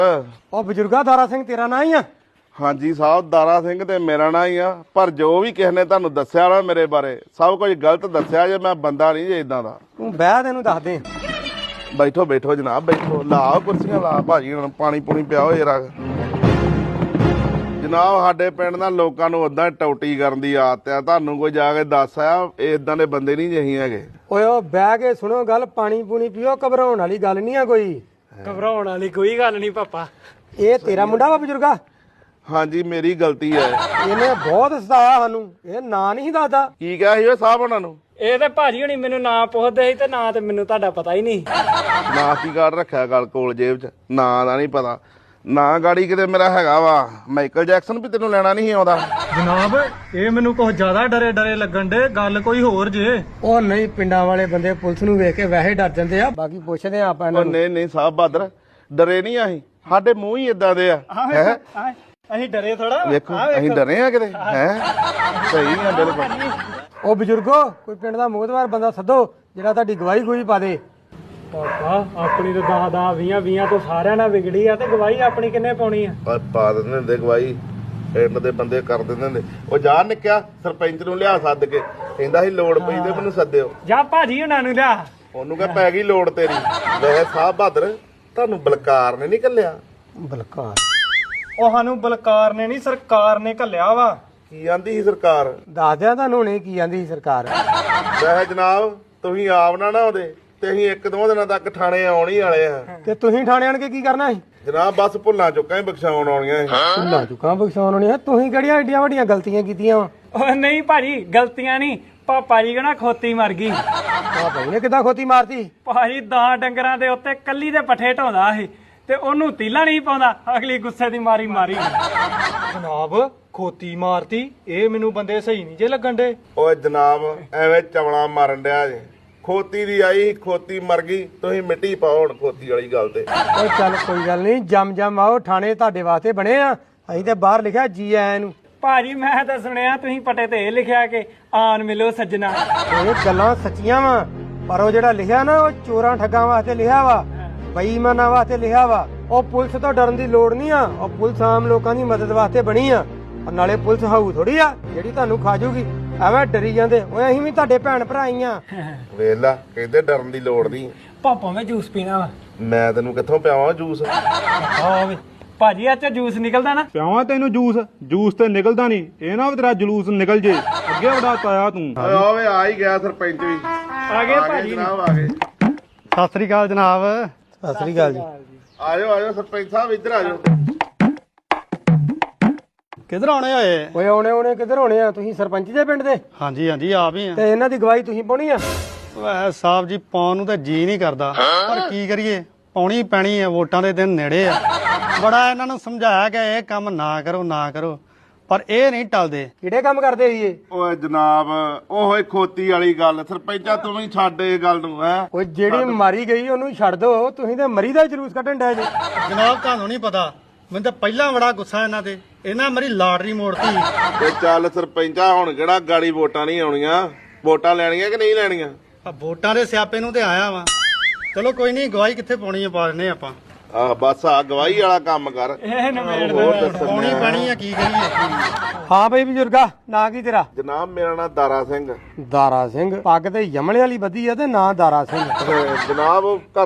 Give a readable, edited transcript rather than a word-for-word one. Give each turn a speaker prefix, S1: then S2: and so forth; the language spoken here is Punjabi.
S1: ਉਹ ਬਜ਼ੁਰਗਾ ਦਾਰਾ ਸਿੰਘ ਤੇਰਾ ਨਾਂ ਹੀ ਆ?
S2: ਹਾਂਜੀ ਸਾਹਿਬ, ਦਾਰਾ ਸਿੰਘ ਤੇ ਮੇਰਾ ਨਾਂ ਹੀ ਆ। ਪਰ ਜੋ ਵੀ ਕਿਸੇ ਨੇ ਤੁਹਾਨੂੰ ਦੱਸਿਆ ਨਾ ਮੇਰੇ ਬਾਰੇ, ਸਭ ਕੁਝ ਗਲਤ ਦੱਸਿਆ ਜੇ। ਮੈਂ ਬੰਦਾ ਨਹੀਂ ਜੇ ਇਦਾਂ ਦਾ।
S1: ਤੂੰ ਬਹਿ ਤੈਨੂੰ ਦੱਸ ਦੇ।
S2: ਬੈਠੋ ਬੈਠੋ ਜਨਾਬ, ਬੈਠੋ। ਲਾ ਕੁਰਸੀਆਂ ਲਾ ਭਾਜੀ, ਹੁਣ ਪਾਣੀ ਪੂਣੀ ਪਿਆਓ ਜਰਾ। ਜਨਾਬ ਸਾਡੇ ਪਿੰਡ ਨਾਲ ਲੋਕਾਂ ਨੂੰ ਉਦਾਂ ਟੌਟੀ ਕਰਨ ਦੀ ਆਦਤ ਆ। ਤੁਹਾਨੂੰ ਕੋਈ ਜਾ ਕੇ ਦੱਸ ਆਇਆ, ਇਦਾਂ ਦੇ ਬੰਦੇ ਨਹੀਂ ਜਿਹੀ ਹੈਗੇ।
S1: ਓਏ ਉਹ ਬਹਿ ਕੇ ਸੁਣੋ ਗੱਲ, ਪਾਣੀ ਪੂਣੀ ਪੀਓ। ਘਬਰਾਉਣ ਵਾਲੀ ਗੱਲ ਨਹੀਂ ਆ ਕੋਈ।
S3: ਘਬਰਾਉਣ ਵਾਲੀ ਕੋਈ ਗੱਲ ਨਹੀਂ ਪਾਪਾ।
S1: ਇਹ ਤੇਰਾ ਮੁੰਡਾ ਵਾ ਬਜ਼ੁਰਗਾ?
S2: ਹਾਂਜੀ ਮੇਰੀ ਗਲਤੀ ਹੈ।
S1: ਇਹਨੇ ਬਹੁਤ ਸਤਾਇਆ ਸਾਨੂੰ। ਇਹ ਨਾਂ ਨਹੀਂ ਦੱਸਦਾ।
S2: ਕੀ ਕਿਹਾ ਸੀ ਉਹ ਸਾਹਿਬ ਉਹਨਾਂ ਨੂੰ?
S3: ਇਹ ਤੇ ਭਾਜੀ ਹੁਣੀ ਮੈਨੂੰ ਨਾਂ ਪੁੱਛਦੇ ਸੀ ਤੇ ਨਾਂ ਤੇ ਮੈਨੂੰ ਤੁਹਾਡਾ ਪਤਾ ਹੀ ਨਹੀਂ।
S2: ਨਾ ਕੀ ਕਾਰਡ ਰੱਖਿਆ ਗੱਲ ਕੋਲ ਜੇਬ 'ਚ? ਨਾਂ ਦਾ ਨਹੀਂ ਪਤਾ। ਨਾ ਗਾੜੀ ਕਿਤੇ ਮੇਰਾ ਹੈਗਾ ਵਾ ਮਾਈਕਲ ਜੈਕਸਨ, ਵੀ ਤੈਨੂੰ ਲੈਣਾ ਨਹੀਂ ਆਉਂਦਾ।
S4: ਜਨਾਬ ਇਹ ਮੈਨੂੰ ਕੁਝ ਜ਼ਿਆਦਾ ਡਰੇ ਲੱਗਣ ਦੇ। ਗੱਲ ਕੋਈ ਹੋਰ ਜੇ।
S1: ਉਹ ਨਹੀਂ, ਪਿੰਡਾਂ ਵਾਲੇ ਬੰਦੇ ਪੁਲਿਸ ਨੂੰ ਵੇਖ ਕੇ ਵੈਸੇ ਡਰ ਜਾਂਦੇ ਆ। ਬਾਕੀ ਪੁੱਛਦੇ ਆ ਆਪਾਂ ਇਹਨਾਂ ਨੂੰ।
S2: ਨਹੀਂ ਨਹੀਂ ਸਾਹਿਬ ਬਹਾਦਰ, ਡਰੇ ਨਹੀਂ ਅਸੀਂ। ਸਾਡੇ ਮੂੰਹ ਹੀ ਇਦਾਂ ਦੇ ਆ। ਹੈ
S3: ਅਸੀਂ ਡਰੇ ਥੋੜਾ।
S2: ਵੇਖੋ ਅਸੀਂ ਡਰੇ ਆ ਕਿਤੇ? ਹੈ ਸਹੀ ਆ ਬਿਲਕੁਲ।
S1: ਉਹ ਬਜ਼ੁਰਗੋ, ਕੋਈ ਪਿੰਡ ਦਾ ਮੋਹਤਵਾਰ ਬੰਦਾ ਸੱਦੋ ਜਿਹੜਾ ਤੁਹਾਡੀ ਗਵਾਹੀ ਗੂਈ ਪਾ ਦੇ।
S3: ਪਾਪਾ ਆਪਣੀ ਤਾਂ 10-20 ਤੋਂ ਸਾਰਿਆਂ ਨਾਲ ਵਿਗੜੀ ਆ ਤੇ ਗਵਾਹੀ ਆਪਣੀ ਕਿੰਨੇ ਪਾਉਣੀ ਆ?
S2: ਪਾ ਦਿੰਦੇ ਹੁੰਦੇ ਗਵਾਹੀ, ਪਿੰਡ ਦੇ ਬੰਦੇ ਕਰ ਦਿੰਦੇ ਹੁੰਦੇ। ਉਹ ਜਾ ਨਿਕਿਆ ਸਰਪੰਚ ਨੂੰ ਲਿਆ ਸੱਦ ਕੇ, ਕਹਿੰਦਾ ਸੀ ਲੋੜ ਪਈ ਤੇ ਮੈਨੂੰ ਸੱਦਿਓ।
S3: ਜਾ ਭਾਜੀ ਹੁਣਾਂ ਨੂੰ ਲਿਆ।
S2: ਉਹਨੂੰ ਕਹ ਪੈ ਗਈ ਲੋੜ ਤੇਰੀ। ਵੈਸੇ ਸਾਹਿਬ ਬਹਾਦਰ, ਤੁਹਾਨੂੰ ਬਲਕਾਰ ਨੇ ਨਹੀਂ ਘੱਲਿਆ?
S1: ਬਲਕਾਰ?
S4: ਉਹ ਸਾਨੂੰ ਬਲਕਾਰ ਨੇ ਨਹੀਂ, ਸਰਕਾਰ ਨੇ ਘੱਲਿਆ ਵਾ।
S2: ਕੀ ਆਂਦੀ ਸੀ ਸਰਕਾਰ?
S1: ਦੱਸ ਦਿਆਂ ਤੁਹਾਨੂੰ ਹੁਣੇ ਕੀ ਆਂਦੀ ਸੀ ਸਰਕਾਰ।
S2: ਵੈਸੇ ਜਨਾਬ ਤੁਸੀਂ ਆਪ ਨਾ ਆਉਂਦੇ ਤੇ ਅਸੀਂ 1-2 ਦਿਨਾਂ ਤੱਕ ਥਾਣੇ ਆਉਣ ਹੀ ਵਾਲੇ ਆ।
S1: ਤੇ ਤੁਸੀਂ ਥਾਣੇ ਆਣ ਕੇ ਕੀ ਕਰਨਾ ਸੀ?
S2: ਜਨਾਬ ਬਸ ਭੁੱਲਾਂ ਚੁੱਕਾਂ ਹੀ ਬਖਸ਼ਾਉਣ ਆਉਣੀਆਂ ਸੀ।
S1: ਭੁੱਲਾਂ ਚੁੱਕਾਂ ਬਖਸ਼ਾਉਣ ਹੋਣੀ ਆ? ਤੁਸੀਂ ਕਿਹੜੀਆਂ ਏਡੀਆਂ ਵੱਡੀਆਂ ਗਲਤੀਆਂ ਕੀਤੀਆਂ ਵਾ?
S3: ਉਹ ਨਹੀਂ ਭਾਜੀ, ਗਲਤੀਆਂ ਨਹੀਂ। ਪਾਪਾ ਜੀ ਕਹਿੰਦਾ ਖੋਤੀ ਮਰ ਗਈ।
S1: ਆ ਭਾਈ ਨੇ ਕਿੱਦਾਂ ਖੋਤੀ ਮਾਰਤੀ?
S3: ਭਾਜੀ 10 ਡੰਗਰਾਂ ਦੇ ਉੱਤੇ ਕੱਲੀ ਦੇ ਪੱਠੇ ਢਾਉਂਦਾ ਸੀ ਤੇ ਉਹਨੂੰ ਤੀਲਾ ਨਹੀਂ ਪਾਉਂਦਾ। ਅਗਲੀ ਗੁੱਸੇ ਦੀ ਮਾਰੀ
S4: ਜਨਾਬ ਖੋਤੀ ਮਾਰਤੀ, ਇਹ ਮੈਨੂੰ ਬੰਦੇ ਸਹੀ ਨਹੀਂ ਜੇ ਲੱਗਣ ਦੇ।
S2: ਓਏ ਜਨਾਬ ਐਵੇਂ ਚਵਲਾ ਮਾਰਨ ਡਿਆ ਜੇ। ਖੋਤੀ ਦੀ ਆਈ, ਖੋਤੀ ਮਰ ਗਈ। ਤੁਸੀਂ ਮਿੱਟੀ ਪਾਓ ਹੁਣ ਖੋਤੀ ਵਾਲੀ ਗੱਲ ਤੇ।
S1: ਓ ਚੱਲ ਕੋਈ ਗੱਲ ਨਹੀਂ, ਜਮ ਆਓ। ਥਾਣੇ ਤੁਹਾਡੇ ਵਾਸਤੇ ਬਣੇ ਆ। ਅਸੀਂ ਤੇ ਬਾਹਰ ਲਿਖਿਆ ਜੀ ਆਇਆਂ ਨੂੰ।
S3: ਭਾਜੀ ਮੈਂ ਤਾਂ ਸੁਣਿਆ ਤੁਸੀਂ ਪੱਟੇ ਤੇ ਇਹ ਲਿਖਿਆ ਕਿ ਆਣ ਮਿਲੋ ਸੱਜਣਾ।
S1: ਇਹ ਗੱਲਾਂ ਸੱਚੀਆਂ ਵਾ, ਪਰ ਉਹ ਜਿਹੜਾ ਲਿਖਿਆ ਨਾ, ਉਹ ਚੋਰਾਂ ਠੱਗਾਂ ਵਾਸਤੇ ਲਿਖਿਆ ਵਾ, ਬੇਈਮਾਨਾਂ ਵਾਸਤੇ ਲਿਖਿਆ ਵਾ। ਉਹ ਪੁਲਿਸ ਤੋਂ ਡਰਨ ਦੀ ਲੋੜ ਨਹੀਂ ਆ। ਉਹ ਪੁਲਿਸ ਆਮ ਲੋਕਾਂ ਦੀ ਮਦਦ ਵਾਸਤੇ ਬਣੀ ਆ। ਨਾਲੇ ਪੁਲਿਸ ਹਾਊ ਥੋੜੀ ਆ ਜਿਹੜੀ ਤੁਹਾਨੂੰ ਖਾ ਜੂਗੀ। ਐਵੇਂ ਡਰੀ ਜਾਂਦੇ। ਓਏ ਅਸੀਂ ਵੀ ਤੁਹਾਡੇ ਭੈਣ ਭਰਾ ਹੀ ਆ।
S2: ਵੇਖ ਲਾ, ਕਹਿੰਦੇ ਡਰਨ ਦੀ ਲੋੜ ਨਹੀਂ।
S3: ਪਾਪਾ ਮੈਂ ਜੂਸ ਪੀਣਾ ਵਾ।
S2: ਮੈਂ ਤੈਨੂੰ ਕਿੱਥੋਂ ਪਿਆਵਾਂ ਜੂਸ?
S3: ਆਵੇ ਭਾਜੀ ਆ ਚ ਜੂਸ ਨਿਕਲਦਾ ਨਾ?
S4: ਪਿਆਵਾਂ ਤੈਨੂੰ ਜੂਸ? ਜੂਸ ਤੇ ਨਿਕਲਦਾ ਨਹੀਂ। ਇਹ ਨਾ ਤੇਰਾ ਜਲੂਸ ਨਿਕਲ ਜੇ। ਅੱਗੇ ਵੜਾ ਤਾਇਆ ਤੂੰ।
S2: ਓਏ ਆ ਹੀ ਗਿਆ ਸਰਪੰਚ ਵੀ।
S3: ਆ ਗਏ ਭਾਜੀ।
S2: ਜਨਾਬ ਆ ਗਏ।
S4: ਸਤਿ ਸ੍ਰੀ ਅਕਾਲ ਜਨਾਬ।
S1: ਸਤਿ ਸ੍ਰੀ ਅਕਾਲ ਜੀ।
S2: ਆਜੋ ਆਜੋ ਸਰਪੰਚ ਸਾਹਿਬ, ਇੱਧਰ ਆਜੋ।
S4: ਕਿੱਧਰ ਆਉਣੇ ਹੋਏ?
S1: ਓਏ ਆਉਣੇ ਕਿੱਧਰ ਹੋਣੇ ਆ? ਤੁਸੀਂ ਸਰਪੰਚ ਦੇ ਪਿੰਡ ਦੇ?
S4: ਹਾਂਜੀ ਹਾਂਜੀ ਆਪ ਹੀ ਆ।
S1: ਤੇ ਇਹਨਾਂ ਦੀ ਗਵਾਹੀ ਤੁਸੀਂ ਪਾਉਣੀ ਆ?
S4: ਵੈਸੇ ਸਾਹਿਬ ਜੀ ਪਾਉਣ ਨੂੰ ਤਾਂ ਜੀ ਨਹੀਂ ਕਰਦਾ, ਪਰ ਕੀ ਕਰੀਏ, ਪਾਉਣੀ ਪੈਣੀ ਆ। ਵੋਟਾਂ ਦੇ ਦਿਨ ਨੇੜੇ ਆ। ਬੜਾ ਇਹਨਾਂ ਨੂੰ ਸਮਝਾਇਆ ਕਿ ਇਹ ਕੰਮ ਨਾ ਕਰੋ, ਪਰ ਇਹ ਨਹੀਂ ਟਲਦੇ।
S1: ਕਿਹੜੇ ਕੰਮ ਕਰਦੇ ਸੀ ਇਹ?
S2: ਓਏ ਜਨਾਬ ਓਏ ਖੋਤੀ ਵਾਲੀ ਗੱਲ। ਸਰਪੰਚਾ ਤੂੰ ਵੀ ਛੱਡ ਇਹ ਗੱਲ ਨੂੰ। ਹੈ
S1: ਓਏ ਜਿਹੜੀ ਮਾਰੀ ਗਈ ਉਹਨੂੰ ਛੱਡ ਦੋ। ਤੁਸੀਂ ਤੇ ਮਰੀ ਦਾ ਜਲੂਸ ਕੱਢਣ ਡਏ ਜੇ।
S4: ਜਨਾਬ ਤੁਹਾਨੂੰ ਨਹੀਂ ਪਤਾ, ਮੈਨੂੰ ਤਾਂ ਪਹਿਲਾਂ ਬੜਾ ਗੁੱਸਾ ਇਹਨਾਂ ਤੇ। ਇਹਨਾਂ ਮੇਰੀ ਲਾਟਰੀ ਮੋੜਤੀ।
S2: ਤੇ ਚੱਲ ਸਰਪੰਚਾ, ਹੁਣ ਕਿਹੜਾ ਗਾੜੀ ਵੋਟਾਂ ਨਹੀਂ ਆਉਣੀਆਂ? ਵੋਟਾਂ ਲੈਣੀਆਂ ਕਿ ਨਹੀਂ ਲੈਣੀਆਂ?
S4: ਆ ਵੋਟਾਂ ਦੇ ਸਿਆਪੇ ਨੂੰ ਤੇ ਆਇਆ ਵਾ। ਚਲੋ ਕੋਈ ਨਹੀਂ, ਗਵਾਹੀ ਕਿੱਥੇ ਪਾਉਣੀ ਆ ਪਾ ਦਿੰਦੇ ਆਪਾਂ।
S2: ਆਹ ਬਸ ਆ ਗਵਾਹੀ ਵਾਲਾ ਕੰਮ ਕਰ।
S3: ਇਹ ਨਵੇੜ
S2: ਹੋਰ ਦੱਸਣ
S4: ਪਾਉਣੀ
S2: ਡਿਆ।
S4: ਪੈਣੀ ਆ, ਕੀ ਕਰੀਏ।
S1: ਹਾਂ ਬਈ ਬਜ਼ੁਰਗਾ, ਨਾਂ ਕੀ ਤੇਰਾ?
S2: ਜਨਾਬ ਮੇਰਾ ਨਾਮ ਦਾਰਾ ਸਿੰਘ।
S1: ਦਾਰਾ ਸਿੰਘ? ਪੱਗ ਤੇ ਯਮਲੇ ਵਾਲੀ ਬੱਧੀ ਆ ਤੇ ਨਾਂ ਦਾਰਾ ਸਿੰਘ।
S2: ਜਨਾਬ